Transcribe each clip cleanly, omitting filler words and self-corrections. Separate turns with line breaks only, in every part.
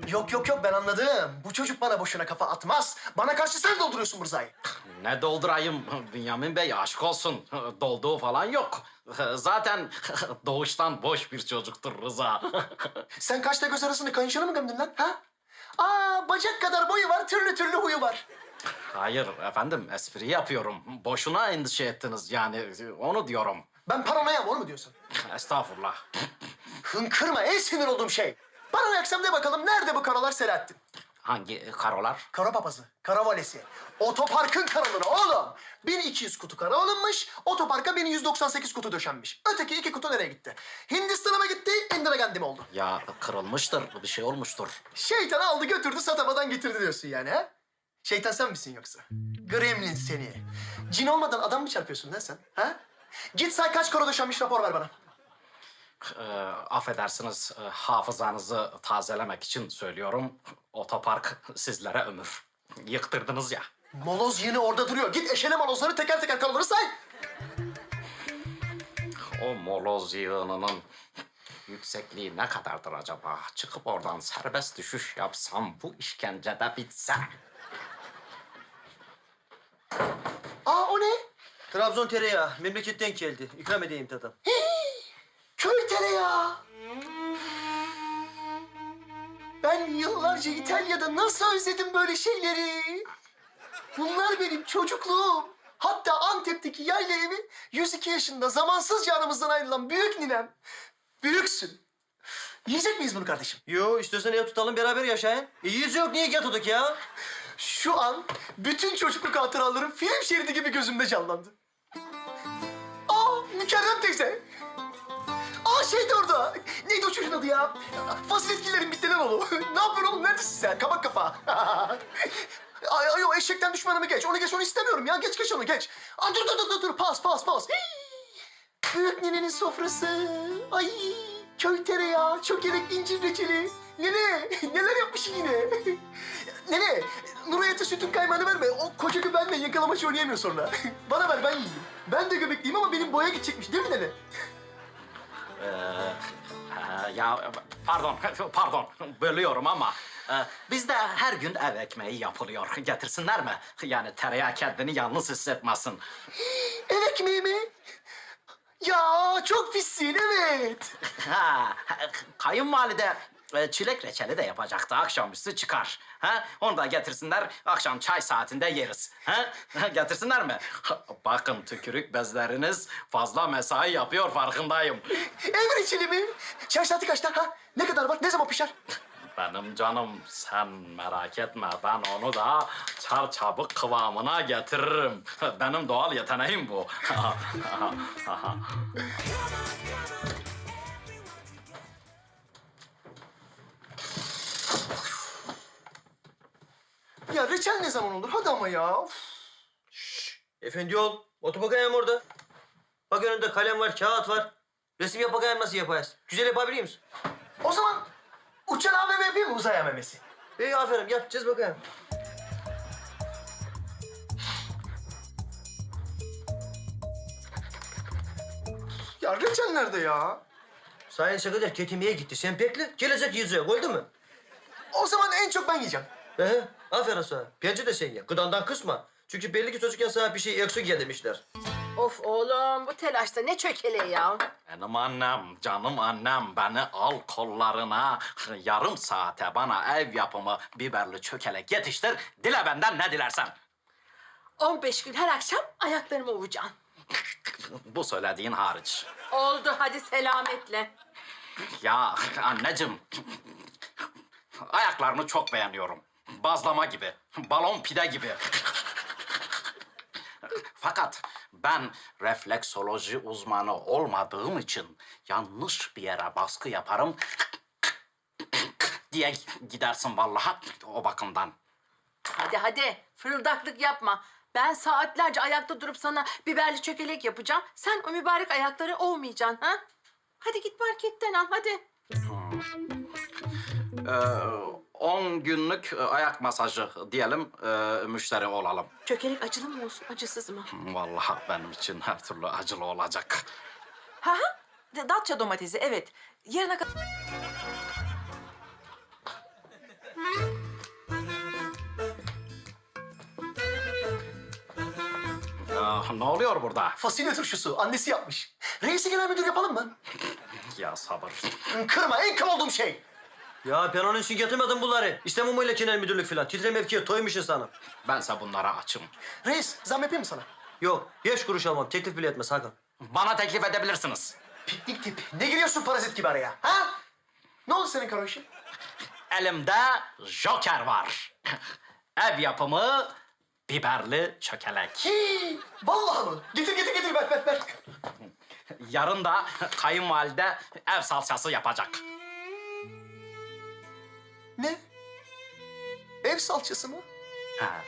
Yok yok yok ben anladım. Bu çocuk bana boşuna kafa atmaz. Bana karşı sen dolduruyorsun Mırza'yı.
Ne doldurayım Bünyamin Bey, aşk olsun. Dolduğu falan yok. Zaten doğuştan boş bir çocuktur Rıza.
Sen kaçta göz arasını kayınşanı mı gömdün lan ha? Aa bacak kadar boyu var, türlü türlü huyu var.
Hayır efendim, espri yapıyorum. Boşuna endişe ettiniz yani, onu diyorum.
Ben paranoyam onu mu diyorsun?
Estağfurullah.
Hınkırma en sinir olduğum şey. Paranoyaksam de bakalım nerede bu karalar Selahattin?
Hangi karolar?
Kara papazı, kara valesi. Otoparkın karalığına oğlum. 1200 kutu kara alınmış, otoparka 1198 kutu döşenmiş. Öteki 2 kutu nereye gitti? Hindistan'a mı gitti, Indira Gandhi mi oldu?
Ya kırılmıştır, bir şey olmuştur.
Şeytan aldı götürdü satamadan getirdi diyorsun yani ha? Şeytan sen misin yoksa? Gremlin seni. Cin olmadan adam mı çarpıyorsun lan sen? Ha? Git say kaç kara döşenmiş rapor ver bana.
Affedersiniz, hafızanızı tazelemek için söylüyorum. Otopark sizlere ömür. Yıktırdınız ya.
Moloz yine orada duruyor. Git eşele molozları teker teker karaları say.
O moloz yığınının yüksekliği ne kadardır acaba? Çıkıp oradan serbest düşüş yapsam bu işkence de bitse.
Aa o ne?
Trabzon tereyağı. Memleketten geldi. İkram edeyim tadım.
Köy tereyağı. Ben yıllarca İtalya'da nasıl özledim böyle şeyleri. Bunlar benim çocukluğum. Hatta Antep'teki yayla evi 102 yaşında zamansızca aramızdan ayrılan büyük ninem. Büyüksün. Yiyecek miyiz bunu kardeşim?
Yo, istiyorsan ev tutalım beraber yaşayın. İyiyiz yok, niye yatıyorduk ya?
Şu an bütün çocukluk hatıralarım film şeridi gibi gözümde canlandı. Aa Mükerrem teyze. Aa şeydi orada. Neydi o çocuğun adı ya? Faziletlilerin bitlenen oğlu. Ne yapıyorsun oğlum? Neredesin sen? Kabak kafa. Ay o eşekten düşmanımı geç. Onu geç, onu istemiyorum ya. Geç onu geç. Aa dur. Pas. Büyük ninenin sofrası. Ay köy tereyağı, çökelek incir reçeli. Nene neler yapmışsın yine? Nene Nurayet'e sütün kaymağını verme. O koca göbenle yakalamaç oynayamıyor sonra. Bana ver ben yiyeyim. Ben de göbekliyim ama benim boya gidecekmiş değil mi nene?
Ya pardon bölüyorum ama bizde her gün ev ekmeği yapılıyor. Getirsinler mi? Yani tereyağı kendini yalnız hissetmesin.
Ev ekmeği mi? Ya çok pissin evet.
Ha, kayınvalide çilek reçeli de yapacaktı. Akşamüstü çıkar. Ha? Onu da getirsinler. Akşam çay saatinde yeriz. Ha? Getirsinler mi? Bakın tükürük bezleriniz fazla mesai yapıyor, farkındayım.
Ev reçeli mi? Çay saati kaçta ha? Ne kadar var? Ne zaman pişer?
Benim canım, sen merak etme. Ben onu da çarçabuk kıvamına getiririm. Benim doğal yeteneğim bu.
Ya reçel ne zaman olur? Hadi ama ya. Uf.
Efendi ol. Otur bakayım orada. Bak önünde kalem var, kağıt var. Resim yap bakayım nasıl yapayız. Güzel yapabiliyor musun?
O zaman uçan AVM yapayım mı uzay AVM'si?
İyi aferin, yap. Çiz bakayım.
Ya reçel nerede ya?
Sayın Sekreter ketimeye gitti. Sen bekle, gelecek yüzüğe. Oldu mu?
O zaman en çok ben yiyeceğim.
Aferin sana. Bence de sen ye. Gıdandan kısma. Çünkü belli ki çocukken sana bir şey eksik ye demişler.
Of oğlum bu telaşta ne çökeleği ya.
Benim annem, canım annem beni al kollarına. Yarım saate bana ev yapımı biberli çökelek yetiştir. Dile benden ne dilersen.
15 gün her akşam ayaklarımı ovacaksın.
Bu söylediğin hariç.
Oldu hadi selametle.
Ya anneciğim, ayaklarını çok beğeniyorum. Bazlama gibi, balon pide gibi. Fakat ben refleksoloji uzmanı olmadığım için yanlış bir yere baskı yaparım diye gidersin vallahi o bakımdan.
Hadi fırıldaklık yapma. Ben saatlerce ayakta durup sana biberli çökelek yapacağım. Sen o mübarek ayakları ovmayacaksın ha? Hadi git marketten al hadi.
10 günlük ayak masajı diyelim, müşteri olalım.
Çökelek acılı mı olsun acısız mı?
Vallahi benim için her türlü acılı olacak.
Ha ha. Datça domatesi evet. Yarına kadar...
Ne oluyor burada?
Fasulye turşusu. Annesi yapmış. Reisi genel müdür yapalım mı?
Ya sabır.
Kırma. En kıl olduğum şey.
Ya ben onun için getirmedim bunları. İstemem öyle genel müdürlük falan. Titre mevkiye toymuş insanım.
Bense bunlara açım.
Reis zam yapayım mı sana?
Yok, 5 kuruş almam. Teklif bile etmez Hakan.
Bana teklif edebilirsiniz.
Piknik tip. Ne giriyorsun parazit gibi araya? Ha? Ne oldu senin karo işin?
Elimde joker var. Ev yapımı biberli çökelek.
Hii, vallahi mı? Getir getir getir ver.
Yarın da kayınvalide ev salçası yapacak.
Ne? Ev salçası mı?
Ha.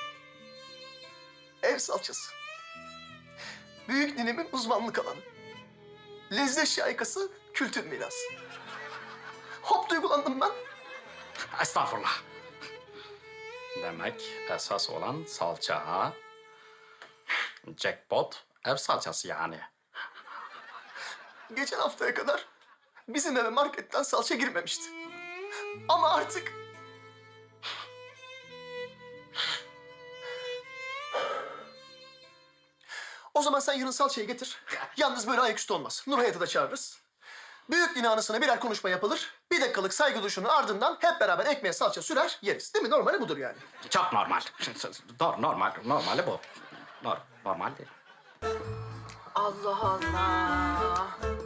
Ev salçası. Büyük ninemin uzmanlık alanı. Lezzet şaikası, kültür mirası. Hop duygulandım ben.
Estağfurullah. Demek esas olan salça ha? Jackpot ev salçası yani.
Geçen haftaya kadar bizim eve marketten salça girmemişti. Ama artık... O zaman sen yarın salçayı getir. Yalnız böyle ayaküstü olmaz. Nur Hayat'ı da çağırırız. Büyük din anısına birer konuşma yapılır. Bir dakikalık saygı duruşunun ardından hep beraber ekmeğe salça sürer, yeriz. Değil mi? Normali budur yani.
Çok normal. Normali bu. Normal değil.
Allah Allah.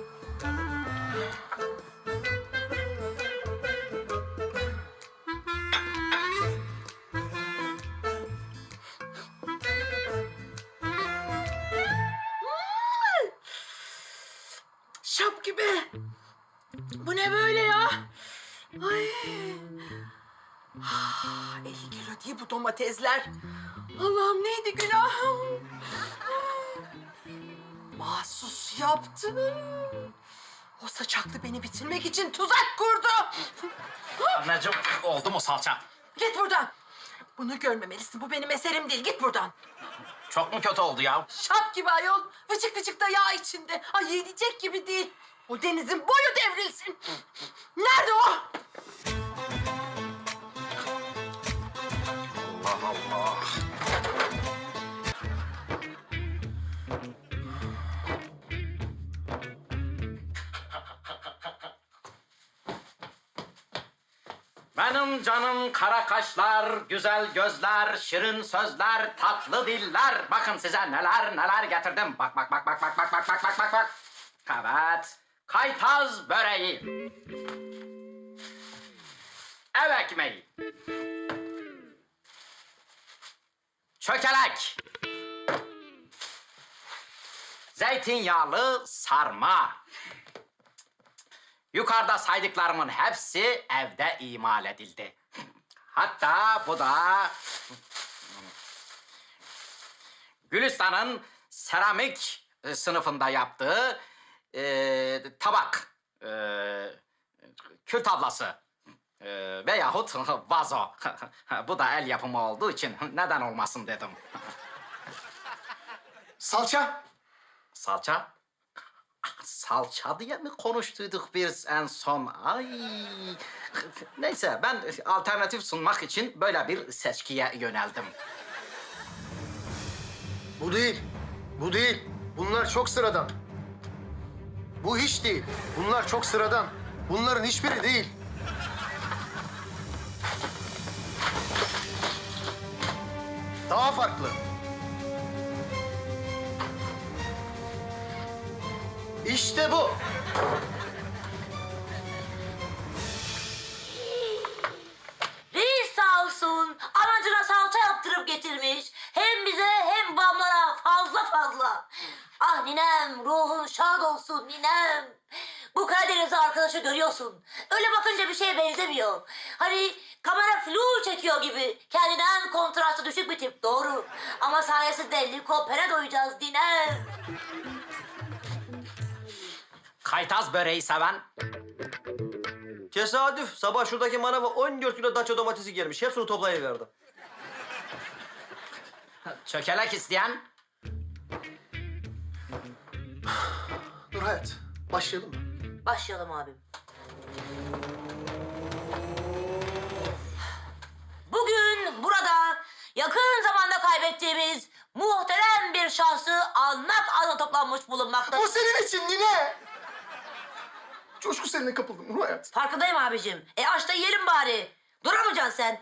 Şap gibi. Bu ne böyle ya? Ay. 50 kilo değil bu domatesler. Allah'ım neydi günahım? Mahsus yaptı. O saçaklı beni bitirmek için tuzak kurdu.
Anneciğim oldu mu salça?
Git buradan. Bunu görmemelisin. Bu benim eserim değil. Git buradan.
Çok mu kötü oldu ya?
Şap gibi ayol. Vıcık vıcık da yağ içinde. Ay yiyecek gibi değil. O denizin boyu devrilsin. Nerede o?
Allah Allah. Benim canım kara kaşlar, güzel gözler, şirin sözler, tatlı diller. Bakın size neler getirdim. Bak. Evet. Kaytaz böreği. Ev ekmeği. Çökelek. Zeytinyağlı sarma. Yukarıda saydıklarımın hepsi evde imal edildi. Hatta bu da Gülistan'ın seramik sınıfında yaptığı tabak, kül tablası veyahut vazo. Bu da el yapımı olduğu için neden olmasın dedim.
Salça.
Salça? Salça diye mi konuştuyduk biz en son? Ay. Neyse ben alternatif sunmak için böyle bir seçkiye yöneldim.
Bu değil. Bu değil. Bunlar çok sıradan. Bu hiç değil. Bunlar çok sıradan. Bunların hiçbiri değil. Daha farklı. İşte bu.
Reis sağ olsun anacına salça yaptırıp getirmiş. Hem bize hem babamlara fazla. Ah ninem ruhun şad olsun ninem. Bu Karadeniz arkadaşı görüyorsun. Öyle bakınca bir şeye benzemiyor. Hani kamera flu çekiyor gibi. Kendinden kontrastı düşük bir tip doğru. Ama sayesinde likopere doyacağız ninem.
Kaytaz böreği seven
Tesadüf. Sabah şuradaki manava 14 kilo daça domatesi gelmiş. Hepsini toplayıverdim.
çökelek isteyen
Nur Hayat, başlayalım mı?
Başlayalım abim. Bugün burada yakın zamanda kaybettiğimiz muhterem bir şahsiyet almış bulunmakta.
Bu senin için nine. Coşku seninle kapıldım Nur Hayat.
Farkındayım abicim. Aç da yiyelim bari. Duramayacaksın sen.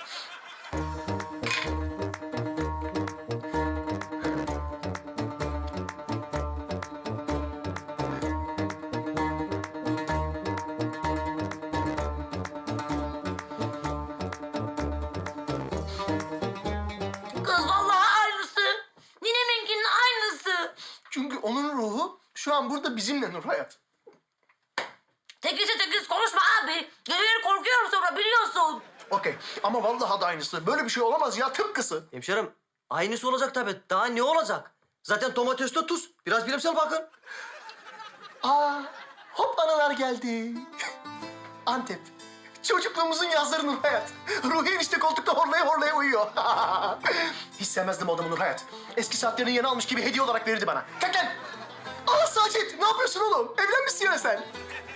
Kız vallahi aynısı. Nineminkinin aynısı.
Çünkü onun ruhu şu an burada bizimle Nur Hayat.
Tekizse tekiz konuşma abi. Geceleri korkuyorum sonra biliyorsun.
Okey ama vallahi da aynısı. Böyle bir şey olamaz ya, tıpkısı.
Hemşerim aynısı olacak tabii. Daha ne olacak? Zaten domatesle tuz. Biraz bilimsel bakın.
Aa, hop anılar geldi. Antep. Çocukluğumuzun yazları Nur Hayat. Ruhi enişte koltukta horlaya horlaya uyuyor. Hiç sevmezdim o adamı Nur Hayat. Eski saatlerini yeni almış gibi hediye olarak verirdi bana. Kalk lan! Aa Sacit, ne yapıyorsun oğlum? Evlenmişsin ya sen.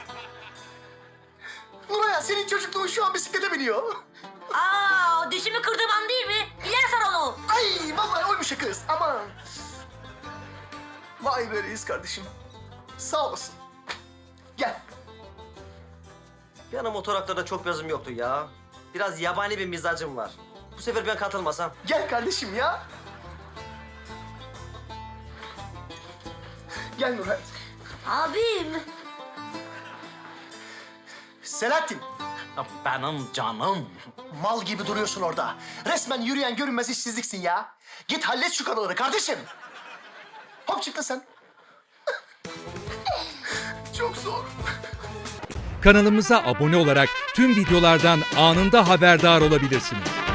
Nur Hayat, senin çocukluğun şu an bisiklete biniyor.
Aa, dişimi kırdığım an değil mi? Bilersen onu.
Ay vallahi oymuş ya kız, aman. Vay be reis kardeşim. Sağ olasın. Gel.
Benim motoraklarda çok yazım yoktu ya. Biraz yabani bir mizacım var. Bu sefer ben katılmasam.
Gel kardeşim ya. Gel Nurhayat.
Abim.
Selahattin,
Benim canım.
mal gibi duruyorsun orada. Resmen yürüyen görünmez işsizliksin ya. Git hallet şu kanaları kardeşim. Hop çıktın sen. Çok zor.
Kanalımıza abone olarak tüm videolardan anında haberdar olabilirsiniz.